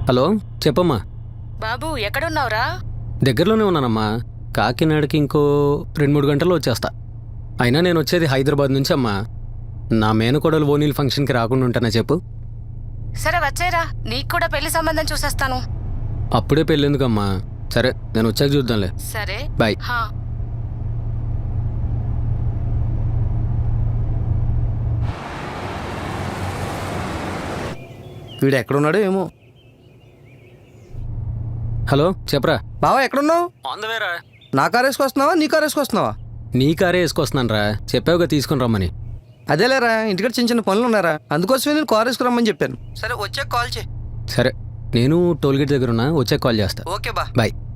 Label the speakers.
Speaker 1: Hello చెప్పమ్మా.
Speaker 2: బాబు ఎక్కడున్నావురా?
Speaker 1: దగ్గరలోనే ఉన్నానమ్మా. కాకినాడకి ఇంకో 2-3 గంటల్లో వచ్చేస్తా. అయినా నేను వచ్చేది హైదరాబాద్ నుంచి అమ్మా. నా మేనకోడలు ఓనీల్ ఫంక్షన్కి రాకుండా ఉంటానా చెప్పు?
Speaker 2: సరే వచ్చేరా, నీకు కూడా పెళ్లి సంబంధం చూసేస్తాను.
Speaker 1: అప్పుడే పెళ్ళెందుకమ్మా? సరే నేను వచ్చాక చూద్దాంలే.
Speaker 2: సరే
Speaker 1: బాయ్.
Speaker 2: హా.
Speaker 3: వీడు ఎక్కడున్నాడో ఏమో.
Speaker 1: హలో చెప్పరా.
Speaker 3: బావా ఎక్కడున్నావు?
Speaker 1: ఆన్ ద వేరా.
Speaker 3: నా కారు వేసుకొస్తున్నావా నీ కారు వేసుకొస్తున్నావా?
Speaker 1: నీ కారే వేసుకొస్తున్నాను రా, చెప్పావుగా తీసుకుని రమ్మని.
Speaker 3: అదేలేరా, ఇంటికి చిన్న చిన్న పనులు ఉన్నారా, అందుకోసమే నేను కారు వేసుకురమ్మని చెప్పాను. సరే వచ్చాక కాల్ చేయి.
Speaker 1: సరే నేను టోల్గేట్ దగ్గర ఉన్నా, వచ్చాక కాల్ చేస్తా.
Speaker 3: ఓకే బా.
Speaker 1: బాయ్.